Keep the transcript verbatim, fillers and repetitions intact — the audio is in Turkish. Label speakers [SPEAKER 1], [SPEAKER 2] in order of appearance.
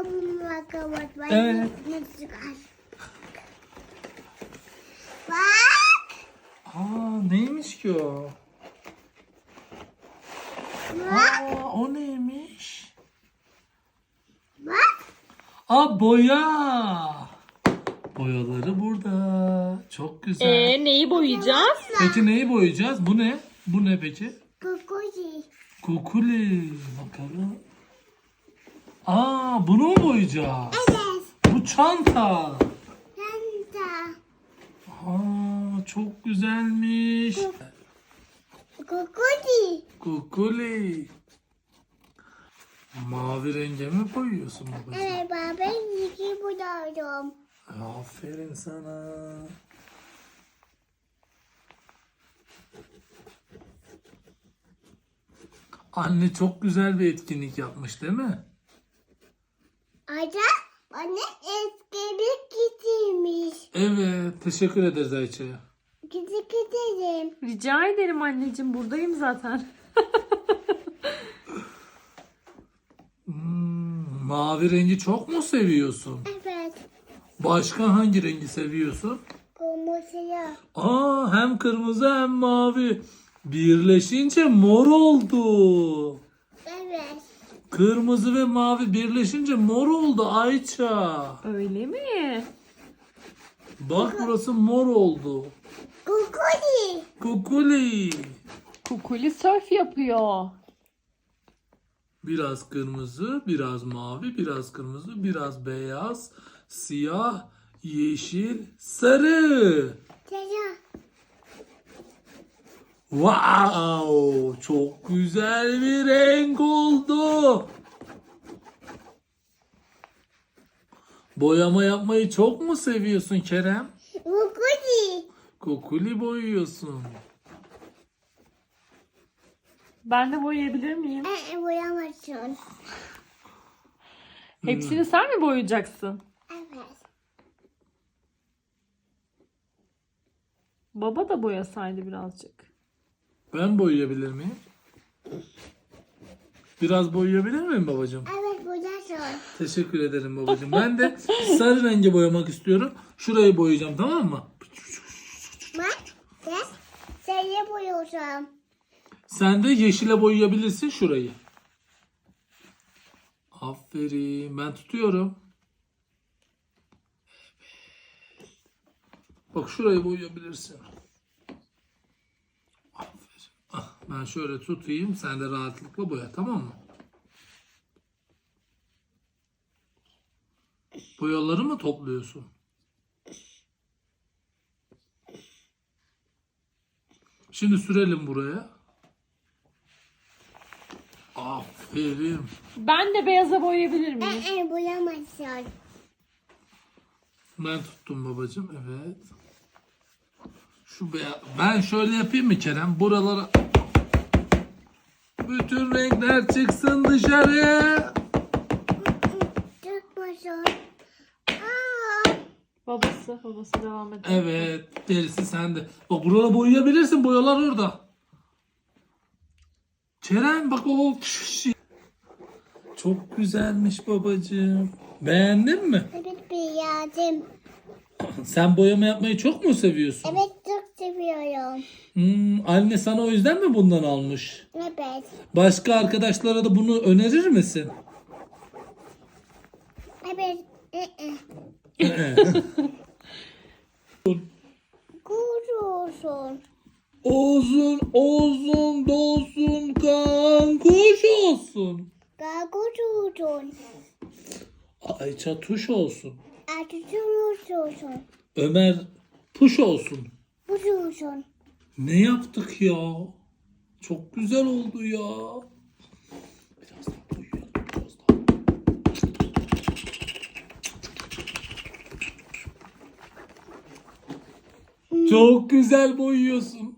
[SPEAKER 1] Evet.
[SPEAKER 2] Bak.
[SPEAKER 1] Aa, neymiş ki o? Aa, o neymiş?
[SPEAKER 2] Bak.
[SPEAKER 1] Aa, boya. Boyaları burada. Çok güzel.
[SPEAKER 3] Ee, neyi boyayacağız?
[SPEAKER 1] Peki neyi boyayacağız? Bu ne? Bu ne peki?
[SPEAKER 2] Kukuzi.
[SPEAKER 1] Kukuli. Bakalım. Aa, bunu mu boyayacağız?
[SPEAKER 2] Evet.
[SPEAKER 1] Bu çanta.
[SPEAKER 2] Ben de.
[SPEAKER 1] Aa, çok güzelmiş.
[SPEAKER 2] Kukuzi.
[SPEAKER 1] Kukuli. Mavi renge mi boyuyorsun babacığım?
[SPEAKER 2] Evet baba iki buldum.
[SPEAKER 1] Aferin sana. Anne çok güzel bir etkinlik yapmış değil mi?
[SPEAKER 2] Ada bana eskibik getirmiş.
[SPEAKER 1] Evet, teşekkür ederiz Ayça'ya.
[SPEAKER 2] Gidip gidelim.
[SPEAKER 3] Rica ederim anneciğim, buradayım zaten.
[SPEAKER 1] Hmm, mavi rengi çok mu seviyorsun?
[SPEAKER 2] Evet.
[SPEAKER 1] Başka hangi rengi seviyorsun?
[SPEAKER 2] Kırmızıya.
[SPEAKER 1] Aa, hem kırmızı hem mavi. Birleşince mor oldu.
[SPEAKER 2] Evet.
[SPEAKER 1] Kırmızı ve mavi birleşince mor oldu Ayça.
[SPEAKER 3] Öyle mi?
[SPEAKER 1] Bak burası mor oldu.
[SPEAKER 2] Kukuzi.
[SPEAKER 1] Kukuli.
[SPEAKER 3] Kukuli surf yapıyor.
[SPEAKER 1] Biraz kırmızı, biraz mavi, biraz kırmızı, biraz beyaz, siyah, yeşil, sarı.
[SPEAKER 2] Selam.
[SPEAKER 1] Wow! Çok güzel bir renk oldu. Boyama yapmayı çok mu seviyorsun Kerem?
[SPEAKER 2] Kukuzi.
[SPEAKER 1] Kukuli boyuyorsun.
[SPEAKER 3] Ben de boyayabilir miyim?
[SPEAKER 2] Ee, boyamazsın.
[SPEAKER 3] Hepsini sen mi boyayacaksın?
[SPEAKER 2] Evet.
[SPEAKER 3] Baba da boyasaydı birazcık.
[SPEAKER 1] Ben boyayabilir miyim? Biraz boyayabilir miyim babacığım?
[SPEAKER 2] Evet boyarsın.
[SPEAKER 1] Teşekkür ederim babacığım. Ben de sarı rengi boyamak istiyorum. Şurayı boyayacağım, tamam mı?
[SPEAKER 2] Bak. Sen seni boyuyorsun.
[SPEAKER 1] Sen de yeşile boyayabilirsin şurayı. Aferin. Ben tutuyorum. Bak şurayı boyayabilirsin. Aferin. Ah, ben şöyle tutayım. Sen de rahatlıkla boya, tamam mı? Boyaları mı topluyorsun? Şimdi sürelim buraya. Aferin.
[SPEAKER 3] Ben de beyaza boyayabilir miyim?
[SPEAKER 2] Ee, boyamazsın.
[SPEAKER 1] Ben tuttum babacığım. Evet. Şu beyaz. Ben şöyle yapayım mı Kerem? Buralara bütün renkler çıksın dışarı.
[SPEAKER 2] Tutmasın. Aa.
[SPEAKER 3] Babası, babası devam ediyor.
[SPEAKER 1] Evet. Gerisi sende. Bak buraları boyayabilirsin. Boyalar orada. Kerem bak o. Çok güzelmiş babacığım. Beğendin mi?
[SPEAKER 2] Evet beğendim.
[SPEAKER 1] Sen boyama yapmayı çok mu seviyorsun?
[SPEAKER 2] Evet çok seviyorum.
[SPEAKER 1] Hmm, anne sana o yüzden mi bundan almış?
[SPEAKER 2] Evet.
[SPEAKER 1] Başka arkadaşlara da bunu önerir misin?
[SPEAKER 2] Evet. Ee.
[SPEAKER 1] Ee.
[SPEAKER 2] Kuruyorsun.
[SPEAKER 1] Olsun, olsun, dolsun, kan kuş olsun.
[SPEAKER 2] Kuruyorsun.
[SPEAKER 1] Ayça tuş olsun.
[SPEAKER 2] Atıyorsun.
[SPEAKER 1] Ömer puş olsun.
[SPEAKER 2] Kuruyorsun.
[SPEAKER 1] Ne yaptık ya? Çok güzel oldu ya. Biraz daha boyayalım, biraz daha. Çok güzel boyuyorsun.